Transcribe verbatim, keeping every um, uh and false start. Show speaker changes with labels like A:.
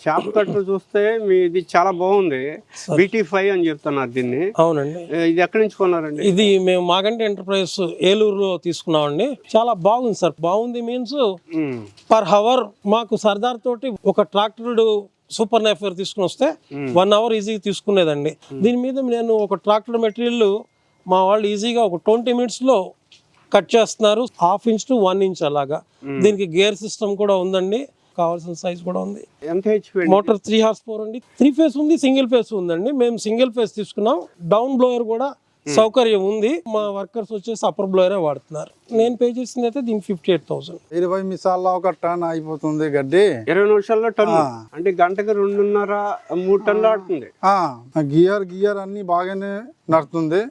A: Shop cutter చూస్తే మీది చాలా బాగుంది. బీటీ ఫైవ్ అని చెప్తున్నారు దీన్ని.
B: అవునండి.
A: ఇది ఎక్కడి నుంచి కొన్నారండి?
B: ఇది మేము మాగంటి ఎంటర్ప్రైజెస్ ఏలూరులో తీసుకున్నామండి. చాలా బాగుంది సార్. బాగుంది మీన్స్ పర్ హవర్ మాకు సర్దార్ తోటి ఒక ట్రాక్టర్ సూపర్ నైఫర్ తీసుకుని వస్తే వన్ అవర్ ఈజీగా తీసుకునేదండి. దీని మీద నేను ఒక ట్రాక్టర్ మెటీరియల్ మా వాళ్ళు ఈజీగా ఒక ట్వంటీ మినిట్స్ లో కట్ చేస్తున్నారు. Half inch to one inch అలాగా. దీనికి గేర్ సిస్టమ్ కూడా ఉందండి, కావాల్సిన సైజ్ కూడా ఉంది.
A: ఎంత HP?
B: Motor three horsepower అండి. త్రీ ఫేస్ ఉంది, సింగిల్ ఫేస్ ఉందండి. మేము సింగిల్ ఫేస్ తీసుకున్నాం. డౌన్ బ్లోయర్ కూడా సౌకర్యం ఉంది. మా వర్కర్స్ వచ్చేసి అప్పర్ బ్లోయరే వాడుతున్నారు. నేను పే చేసింది అయితే దీనికి ఫిఫ్టీ ఎయిట్ థౌసండ్.
C: ఇరవై నిమిషాల్లో ఒక టన్ అయిపోతుంది గడ్డి.
A: ఇరవై నిమిషాల్లో టన్ను అంటే గంటకి రెండున్నర మూడు టన్నులు ఆడుతుంది.
C: గియర్ గియర్ అన్ని బాగానే నడుతుంది.